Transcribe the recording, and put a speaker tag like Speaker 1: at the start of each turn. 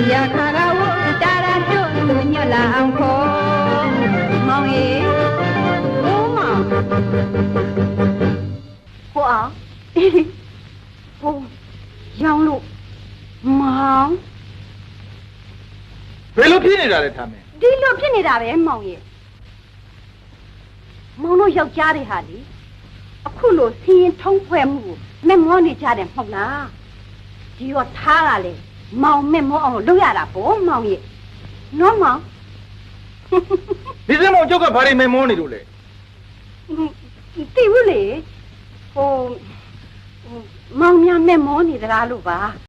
Speaker 1: ရခါကဝတာရတို့သူညွတ်လာအောင်ခေါ်မောင်ရေဘိုးမောင်ဟိုအောင်ဟိုရောင်းလို့မောင်
Speaker 2: ဘယ်လိုဖြစ်နေတာလဲထားမင်း
Speaker 1: ဒီလိုဖြစ်နေတာပဲမောင်ရေမောင်တို့ယောက်ျားတွေဟာလေအခုလိုစင်းရင်ထုံးဖွဲ့မှုကိုမဲ့မောနေကြတယ်မဟုတ်လားဒီတော့ထားတာလေမောင်မဲ့မောအောင်လုပ်ရတာပေါ့မောင်ရေနော်မောင်
Speaker 2: ဒီစမောင်ကျုပ်ကဘာတွေမဲ့မောနေလို့လဲ
Speaker 1: သိဘူးလေဟိုမောင်များမဲ့မောနေသလားလို့ပါ